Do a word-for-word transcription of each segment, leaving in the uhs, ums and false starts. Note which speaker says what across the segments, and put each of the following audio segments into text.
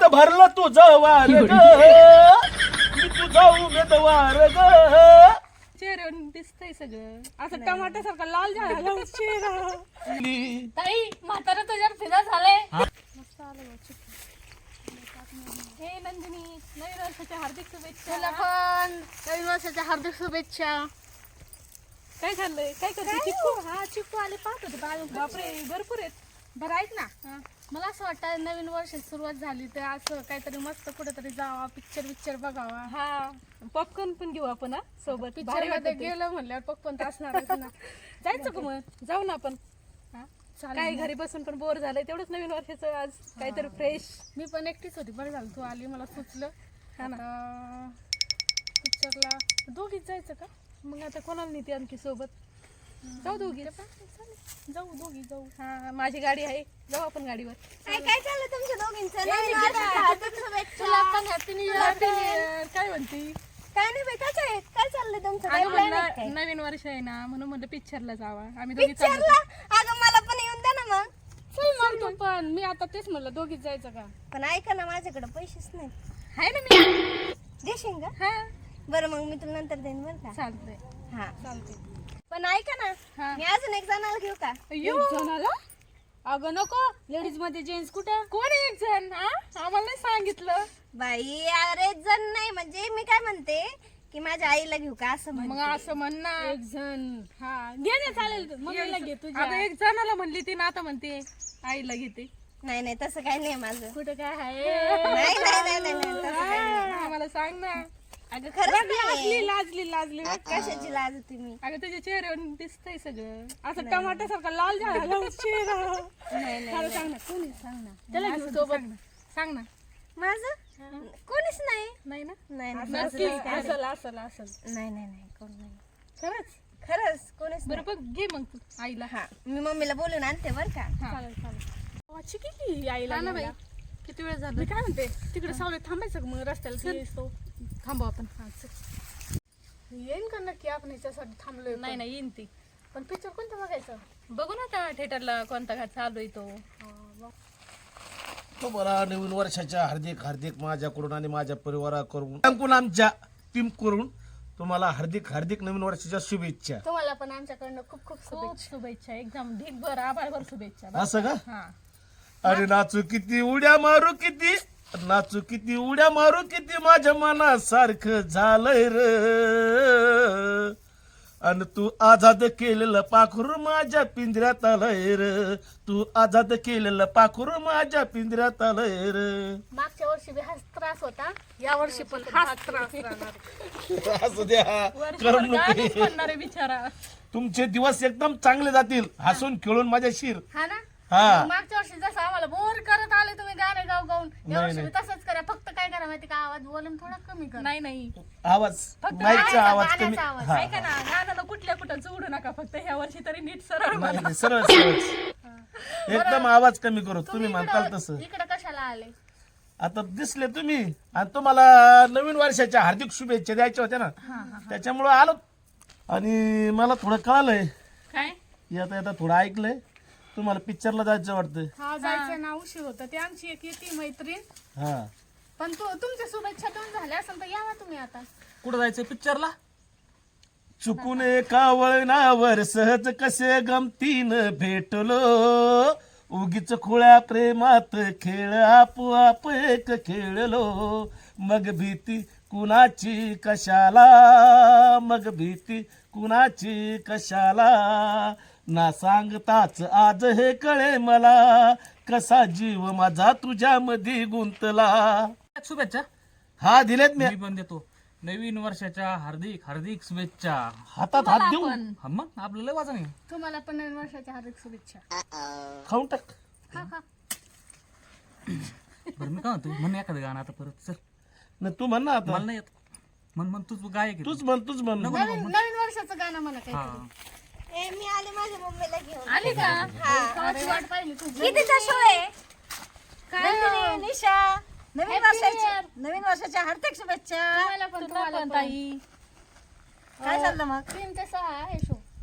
Speaker 1: भरलं तुझं वार ग मी तुझा उमेदवार ग.
Speaker 2: चेहऱ्यावर दिसतंय सगळं असं टमाट्यासारखा लाल झाला चेहरा.
Speaker 3: ताई म्हातारा तुझ्यावर फिदा झालंय.
Speaker 2: मस्त आलं बघ चिकू. हे नंदिनी नवीन वर्षाच्या हार्दिक शुभेच्छा.
Speaker 3: तुला पण नवीन वर्षाच्या हार्दिक शुभेच्छा.
Speaker 2: काय खाल्लंय काय करते चिकू? हा चिकू आले पाहत होते बाळू. बापरे भरपूर आहेत.
Speaker 3: बरं ऐक ना, मला असं वाटतं नवीन वर्षाची सुरुवात झाली तर असं काहीतरी मस्त कुठेतरी जावा, पिक्चर पिक्चर बघावा.
Speaker 2: हा पॉपकॉर्न पण घेऊ आपण हा सोबत.
Speaker 3: पिक्चर
Speaker 2: भारी
Speaker 3: मध्ये
Speaker 2: वाटतं ते.
Speaker 3: गेलं म्हणल्यावर पप्पन तर असणारच ना.
Speaker 2: जायचं का मग? जाऊ ना आपण.
Speaker 3: हा,
Speaker 2: काय
Speaker 3: चालेल.
Speaker 2: घरी बसून पण बोर झालंय तेवढंच नवीन वर्षाचं आज काहीतरी फ्रेश.
Speaker 3: मी पण एकटीच होती, बरं झालं तू आली, मला सुचलं.
Speaker 2: हा ना.
Speaker 3: पिक्चरला दोघीच जायचं का?
Speaker 2: मग आता कोणाला नेते आणखी सोबत? जाऊ दोघी.
Speaker 3: जाऊ दोघी जाऊ.
Speaker 2: हा माझी गाडी आहे जाऊ आपण गाडीवर.
Speaker 4: काय काय चाललं तुमच्या दोघींचं?
Speaker 3: ए,
Speaker 4: नवीन
Speaker 3: मी
Speaker 4: वर्षाच्या
Speaker 3: गेला.
Speaker 4: हार्दिक शुभेच्छा.
Speaker 3: तुला पण happy new
Speaker 2: Happy
Speaker 3: year.
Speaker 2: New Year. काय म्हणती?
Speaker 4: काय नाही बाई, काय आहे? काय चाललंय तुमचं? काय
Speaker 2: अगं
Speaker 4: plan आहे
Speaker 2: म्हणलं
Speaker 4: काय?
Speaker 2: नवीन वर्ष आहे ना म्हणून म्हणलं पिक्चरला जावा. आम्ही दोघी चाललो
Speaker 4: पिक्चरला? अगं मला पण येऊन द्या ना मग.
Speaker 3: चल मग तू पण. मी आता तेच म्हणलं दोघीच जायचं का?
Speaker 4: पण ऐका ना, माझ्याकडे पैसेच नाही.
Speaker 2: आहे ना मी.
Speaker 4: देशील का?
Speaker 2: हा
Speaker 4: बरं मग मी तुला नंतर देईन बरं का.
Speaker 2: चालतंय
Speaker 4: हा
Speaker 2: चालतंय.
Speaker 4: पण ऐका ना,
Speaker 2: हा.
Speaker 4: मी अजून एक जणाला घेऊ का?
Speaker 2: अय्यो.
Speaker 3: जणाला? अगं नको, लेडीज मध्ये जेंट्स कुठं?
Speaker 2: कोण आहे एक जण? हा आम्हाला नाही सांगितलं.
Speaker 4: बाई अरे जण नाही, म्हणजे मी काय म्हणते की माझ्या आईला घेऊ का असं
Speaker 2: मग
Speaker 4: म्हणते.
Speaker 2: असं म्हण ना.
Speaker 3: एक जण. हा घे ना, चालेल. मम्मीला घे तुझ्या.
Speaker 2: आता एक जणाला म्हणली ती ना आता म्हणते आईला घेते.
Speaker 4: नाही नाही तसं काही नाही माझं.
Speaker 3: कुठं काय आहे?
Speaker 4: नाही नाही नाही नाही नाही, तसं काही नाही.
Speaker 2: आम्हाला सांग ना.
Speaker 4: अगं खरंच नाही.
Speaker 2: लाजली लाजली लाजली.
Speaker 4: कशाची लाज होती मी?
Speaker 2: अगं तुझ्या चेहऱ्यावर दिसतंय सगळं.
Speaker 3: असं टमाट्यासारखा लाल झाला चेहरा.
Speaker 4: नाही नाही
Speaker 3: खरं सांग ना, कोणी सांग ना.
Speaker 2: त्याला
Speaker 3: त्याला
Speaker 2: घेऊ
Speaker 3: घेऊ
Speaker 2: सोबत.
Speaker 3: सोबत.
Speaker 2: सांग ना.
Speaker 4: माझं कोणीच नाही.
Speaker 2: नाही ना.
Speaker 4: नाही नाही
Speaker 3: नक्की
Speaker 4: माझं काही
Speaker 3: असल असल असल.
Speaker 4: नाही नाही नाही कोण नाही.
Speaker 2: खरंच.
Speaker 4: खरंच कोणीच
Speaker 2: बरं
Speaker 4: नाही.
Speaker 2: बघ घे मग तू आईला.
Speaker 4: हा मी मम्मीला बोलून आणते बर का.
Speaker 2: हा.
Speaker 3: चालेल चालेल. वाची किती आईला
Speaker 2: हा ना बाई.
Speaker 3: घेऊया.
Speaker 2: किती वेळ झाला?
Speaker 3: मी काय म्हणते, तिकडे सावलीत थांबायचं का मग रस्त्याला
Speaker 2: चल.
Speaker 3: येतो.
Speaker 2: थांबू आपण.
Speaker 3: येईन का नक्की आपण याच्यासाठी थांबलोय?
Speaker 2: नाही नाही येईन ती.
Speaker 3: पण पिक्चर कोणतं बघायचं?
Speaker 2: बघू ना त्या थिएटरला कोणता घाट चालू आहे तो.
Speaker 1: तुम्हाला नवीन वर्षाच्या हार्दिक हार्दिक माझ्याकडून आणि माझ्या परिवाराकडून सांगून आमच्या टीम करून तुम्हाला हार्दिक हार्दिक नवीन वर्षाच्या शुभेच्छा.
Speaker 3: तुम्हाला पण आमच्याकडनं खूप खूप
Speaker 2: खूप
Speaker 3: शुभेच्छा.
Speaker 2: शुभेच्छा. एकदम ढीकभर आभाळभर शुभेच्छा.
Speaker 1: असं का?
Speaker 2: हा.
Speaker 1: अरे नाचू किती उड्या मारू किती नाचू किती उड्या मारू किती माझ्या मनासारखं झालंय र. अन तू आझाद केलेलं पाखरू माझ्या पिंजऱ्यात आलंय र. तू आझाद केलेलं पाखरू माझ्या पिंजऱ्यात आलंय र.
Speaker 3: मागच्या वर्षी बी हाच त्रास होता, या वर्षी पण हाच त्रास राहणार.
Speaker 1: असू द्या
Speaker 2: वर्षभर
Speaker 1: करमणूक
Speaker 2: गाणंच
Speaker 1: आहे.
Speaker 2: म्हणणार आहे बिचारा.
Speaker 1: तुमचे दिवस एकदम चांगले जातील हसून खेळून माझ्या शिर.
Speaker 3: हा ना.
Speaker 1: हा
Speaker 3: मागच्या वर्षी जसं आम्हाला बोर करत आले तुम्ही गाणे गाव गाऊन, या
Speaker 1: नाही,
Speaker 3: वर्षी बी
Speaker 1: नाही.
Speaker 3: तसंच करा. फक्त काय करा माहिती का, आवाज वॉल्यूम थोडा कमी करा.
Speaker 2: नाही नाही.
Speaker 1: आवाज
Speaker 3: फक्त
Speaker 1: माईकचा
Speaker 3: गाण्याचा-
Speaker 1: आवाज कमी
Speaker 3: गाण्याचा आवाज.
Speaker 1: हा
Speaker 2: ऐका ना गाणं कुठल्या कुठं जोडू नका. फक्त ह्या वर्षी तरी नीट सरळ
Speaker 1: नाही
Speaker 2: म्हणा.
Speaker 1: नाही, सरळ सरळ एकदम आवाज कमी करू तुम्ही म्हणताल
Speaker 3: इकडं
Speaker 1: तसं.
Speaker 3: इकडं कशाला आले?
Speaker 1: आता दिसले तुम्ही आणि तुम्हाला नवीन वर्षाच्या हार्दिक शुभेच्छा द्यायच्या होत्या ना, त्याच्यामुळं आलो. आणि मला थोडं कळालंय,
Speaker 2: काय
Speaker 1: येता येता थोडं ऐकलंय तुम्हाला पिक्चरला जायचं वाटतं.
Speaker 3: हा जायचं ना, उशीर होतं. ते आमची एक येते मैत्रीण.
Speaker 1: हा
Speaker 3: पण तू तुमच्या शुभेच्छा देऊन झाल्या असेल तर यावा तुम्ही आता.
Speaker 2: कुठं जायचं पिक्चरला?
Speaker 1: चुकून एका वळणावर सहज कसे गमतीनं भेटलो. उगीच खुळ्या प्रेमात खेळ आपोआप एक खेळलो. मग भीती कुणाची कशाला मग भीती कुणाची कशाला. ना सांगताच आज हे कळे मला कसा जीव माझा तुझ्यामध्ये गुंतला.
Speaker 5: शुभेच्छा.
Speaker 1: हा दिलेत मी.
Speaker 5: मी पण देतो नवीन वर्षाच्या हार्दिक हार्दिक शुभेच्छा.
Speaker 1: हातात हात देऊ
Speaker 5: हा मग आपलं लय वाजन आहे.
Speaker 3: तुम्हाला पण नवीन वर्षाच्या हार्दिक शुभेच्छा.
Speaker 1: खाऊन टाक.
Speaker 3: हा हा.
Speaker 5: बरं मी काय म्हणतो म्हण एखादं गाणं आता परत चल.
Speaker 1: न तू म्हण ना आता.
Speaker 5: मला नाही येत. म्हण म्हण तूच गायक आहे.
Speaker 1: तूच म्हण तूच म्हण.
Speaker 3: नवीन नवीन वर्षाचं गाणं म्हणा
Speaker 5: हा
Speaker 3: काही.
Speaker 4: ए मी आले माझ्या मम्मीला घेऊन.
Speaker 3: आली का? कवाची वाट पाहिली तुझी.
Speaker 4: कितीचा शो आहे? काय निशा नवीन
Speaker 3: Happy
Speaker 4: वर्षाच्या
Speaker 3: Year.
Speaker 4: नवीन वर्षाच्या हार्दिक शुभेच्छा.
Speaker 3: तुम्हाला पण
Speaker 2: तुला
Speaker 3: तुम्हाला
Speaker 2: पण
Speaker 3: पण.
Speaker 2: ताई.
Speaker 4: काय चाललं मग?
Speaker 3: तीन ते सहा आहे शो.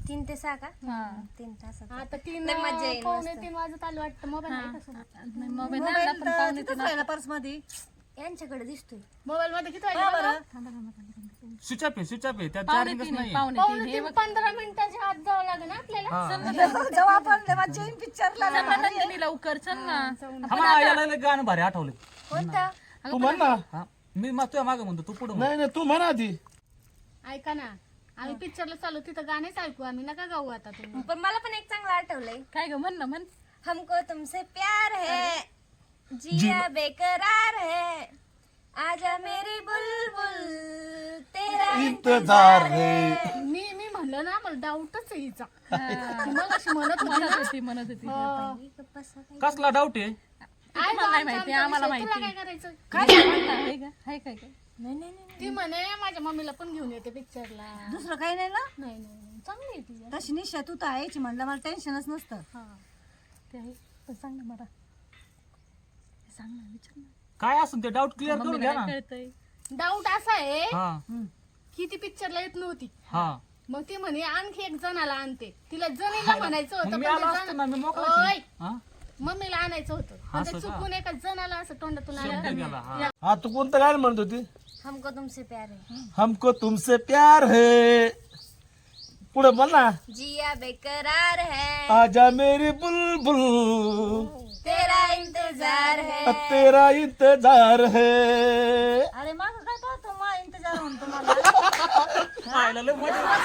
Speaker 4: तीन ते सहा का
Speaker 3: हा
Speaker 4: तीन तासात
Speaker 3: आता तीन
Speaker 4: लय मजा येईल
Speaker 3: पावणे
Speaker 4: मस्त.
Speaker 3: तीन वाजत आले वाटतं मोबाईल आहे का सोबत?
Speaker 2: नाही, मोबाईल नाही आणला, पण पाहुणे ते ना-
Speaker 6: पर्स मध्ये
Speaker 4: यांच्याकडे दिसतोय
Speaker 3: मोबाईल मध्ये किती वाजले बघा?
Speaker 5: स्विच ऑफ आहे स्विच ऑफ आहे त्यात
Speaker 2: पाहुणे
Speaker 5: चार्जिंगच
Speaker 2: तीन
Speaker 5: नाही
Speaker 2: आहे, पाहुणे
Speaker 3: पावणे
Speaker 2: तीन हे
Speaker 3: तीन पंधरा मिनिटाच्या आत जावं लागेल ना आपल्याला
Speaker 6: जेव्हा आपण मजा येईल पिक्चरला
Speaker 2: चल ना नंदिनी लवकर चल ना
Speaker 5: हा मग याला लय गाणं भारी आठवलं
Speaker 4: कोणता
Speaker 1: तू म्हण ना
Speaker 5: हा मी मग तुझ्या मागं म्हणतो तू पुढे
Speaker 1: नाही नाही तू म्हणा आधी.
Speaker 3: ऐका ना आम्ही पिक्चरला चालू तिथं गाणेच ऐकू आम्ही नका गाऊ आता तुम्ही
Speaker 4: पण मला पण एक चांगलं आठवलंय
Speaker 2: काय ग म्हण ना म्हण
Speaker 4: हमको तुमसे प्यार है जिया बेकरार है आजा मेरी बुलबुल तेरा
Speaker 1: इंतजार है.
Speaker 3: मी मी म्हणलं ना मला डाऊटच आहे हिचा ती मग अशी म्हणत होती ना.
Speaker 2: म्हणत होती म्हणत होती
Speaker 3: हो.
Speaker 5: कसला डाऊट आहे
Speaker 3: आहे
Speaker 2: तुम्हाला
Speaker 3: बा
Speaker 2: नाही
Speaker 3: आमचा
Speaker 2: माहिती,
Speaker 3: आमचा
Speaker 2: आम्हाला
Speaker 3: विषय. तुला
Speaker 2: माहिती.
Speaker 3: काय करायचं
Speaker 2: काय म्हण ना, हे का? हाय काय काय
Speaker 4: नाही नाही नाही
Speaker 3: ती म्हणे माझ्या मम्मीला पण घेऊन येते पिक्चरला
Speaker 6: दुसरं काही नाही ना
Speaker 3: नाही नाही नाही. चांगली आहे ती
Speaker 6: तशी निशा तू तर यायची म्हणलं मला टेन्शनच नसतं
Speaker 3: हा
Speaker 2: ते आहे पण सांग ना मला सांग ना विचार ना
Speaker 5: काय असून ते डाऊट क्लिअर करून घ्या
Speaker 2: मम्मीला
Speaker 5: ना
Speaker 2: काय कळतंय
Speaker 3: डाऊट असा आहे
Speaker 5: हा
Speaker 3: की ती पिक्चरला येत नव्हती
Speaker 5: हा
Speaker 3: मग ती म्हणे आणखी एक जणाला आणते तिला जणीला म्हणायचं होतं
Speaker 5: मग मी
Speaker 3: पण
Speaker 5: आलो
Speaker 3: ते
Speaker 5: असतो
Speaker 3: जण-
Speaker 5: ना मी मोकळाच
Speaker 3: ओय,
Speaker 5: आहे. हा
Speaker 3: मम्मीला आणायचं होतं पण ते
Speaker 5: असं का?
Speaker 3: चुकून एका जणाला असं तोंडातून आलं
Speaker 5: शब्द गेला हा
Speaker 1: हा तू कोणतं गाणं म्हणत होती?
Speaker 4: हमको तुमसे प्यार है
Speaker 1: हमको तुमसे प्यार है. पुढे बोल ना.
Speaker 4: जिया बेकरार है
Speaker 1: आजा मेरी बुलबुल
Speaker 4: तेरा इंतजार है
Speaker 1: तेरा इंतजार है.
Speaker 6: अरे माग काय पाहतो मा इंतजार म्हणतो मला
Speaker 5: पाहायला लय मजा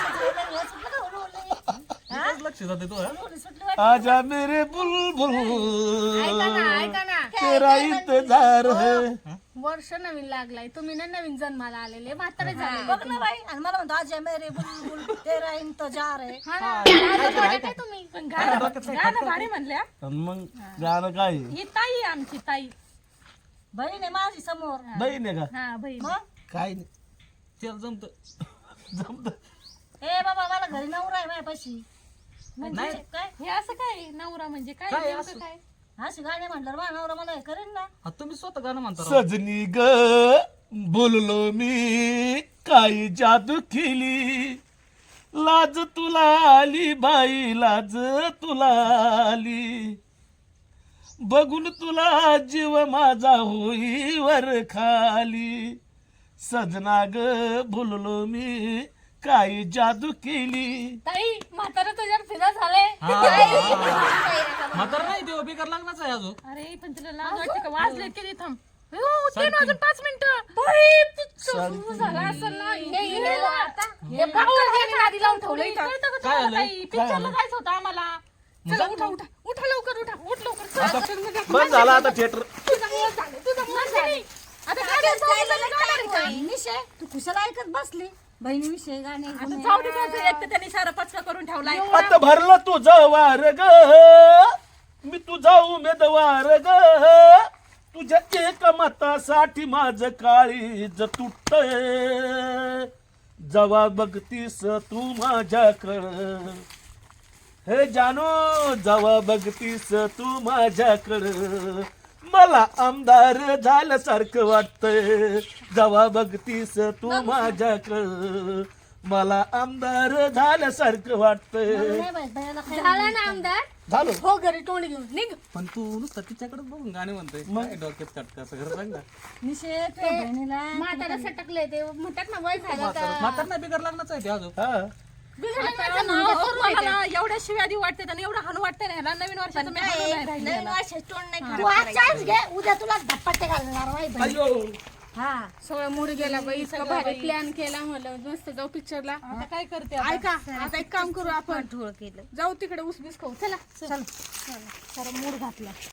Speaker 5: इथंच लक्ष जाते तो हा?
Speaker 1: आजा मेरे बुलबुल
Speaker 3: ऐका ना ऐका ना
Speaker 1: तेरा इंतजार है.
Speaker 3: वर्ष नवीन लागलाय तुम्ही ना नवीन जन्माला आलेले म्हातारे झाले
Speaker 6: बघ ना बाई आणि मला म्हणतो आज मेरे बुलबुल तेरा इंतजार आहे
Speaker 3: हा ना, लाजत वाटत काय तुम्ही
Speaker 2: पण गाणं गाणं भारी म्हणल्या
Speaker 1: आणि मग गाणं काय आहे?
Speaker 2: ही ताई आहे आमची ताई
Speaker 6: बहीण आहे माझी समोर
Speaker 1: बहीण आहे का?
Speaker 2: हा बहीण
Speaker 1: काय नाही
Speaker 5: त्याला जमत
Speaker 1: जमत.
Speaker 6: ए बाबा मला घरी नवरा आहे माझ्यापाशी
Speaker 2: म्हणजे
Speaker 6: काय
Speaker 2: हे असं काय नवरा म्हणजे काय
Speaker 5: काय
Speaker 2: नेमकं
Speaker 5: असं?
Speaker 2: काय
Speaker 6: अशी गाणे म्हणलं माझा नवरा मला हे करेन ना
Speaker 5: हा, तुम्ही स्वतः गाणं म्हणता राव.
Speaker 1: सजनी ग बोललो मी काही जादू केली लाज तुला आली बाई लाज तुला आली बघून तुला जीव माझा होई वर खाली सजना ग बोललो मी काही जादू केली.
Speaker 3: ताई म्हातारा तुझ्यावर फिदा झाले
Speaker 5: हा, हा. म्हातारं नाही ते बेकार लागणारच आहे अजून
Speaker 2: अरे पण तुला लाज वाटते का वाजले किती थांब हो, तीन वाजून पाच मिनिटं बाई, पिक्चर सुरू झाला असेल ना हे हिरो आता हे पाऊल ह्याने नादी लावून ठेवलं इथं. कळतं का तुम्हाला
Speaker 5: झालं?
Speaker 2: ताई? पिक्चरला जायचं होतं आम्हाला चला उठा उठा उठा लवकर उठा उठ लवकर चला.
Speaker 1: बंद झाला आता थिएटर.
Speaker 3: तुझ्यामुळं झालं तुझ्यामुळं झालं आता गाडी जायला जाणार आहे.
Speaker 6: निशे तू कुशाला ऐकत बसली बहिणीविषयी गाणे
Speaker 2: आता
Speaker 6: गुणे.
Speaker 2: जाऊ दे त्याचं एक तर त्यांनी सारा पचका करून ठेवलाय
Speaker 1: आता भरलं तुझं वार ग मी तुझा उमेदवार ग तुझ्या एक मतासाठी माझं काळीज तुटतंय जवा बघतीस तू माझ्याकडं हे जानो जवा बघतीस तू माझ्याकडं मला आमदार झाल्यासारखं वाटतंय जवा बघतीस तू माझ्याकडं मला आमदार झाल्यासारखं वाटतंय.
Speaker 6: नाही बाई, बायाला काय
Speaker 3: झाला ना आमदार
Speaker 1: झालं
Speaker 3: हो घरी तोंड घेऊन निघ
Speaker 5: पण तू नुसतं तिच्याकडे बघून गाणे म्हणतोय काय डोक्यात कटका असं खरं सांग ना
Speaker 6: निशे तुझ्या बहिणीला
Speaker 3: म्हातारा सटकले ते म्हणतात ना वय झालं का
Speaker 5: म्हातार नाही बेकार लागणारच आहे ते अजून
Speaker 1: हा
Speaker 3: बिघडलं
Speaker 2: ना,
Speaker 3: म्हणजे
Speaker 2: हो, मला ना एवढ्या शिव्या देऊ वाटते आणि एवढं हाणू वाटते ना ह्याला नवीन वर्षाचं मी हाणू नाही राहिली
Speaker 4: नवीन
Speaker 2: ह्याला.
Speaker 4: वर्षात तोंड नाही
Speaker 6: तू
Speaker 4: खराब
Speaker 6: आज
Speaker 4: करायचं.
Speaker 6: चान्स घे उद्या तुला धप्पटे घालणार बाई बहीण.
Speaker 1: अयो
Speaker 6: हा
Speaker 3: सगळं मूड गेला बाई इतकं भारी प्लॅन केला म्हणलं मस्त जाऊ पिक्चरला
Speaker 2: आता काय करते आता?
Speaker 3: ऐका आता एक काम करू आपण
Speaker 4: ठोळ केलं
Speaker 3: जाऊ तिकडे उसबीस खाऊ चला
Speaker 6: चल
Speaker 3: जरा मूड घातला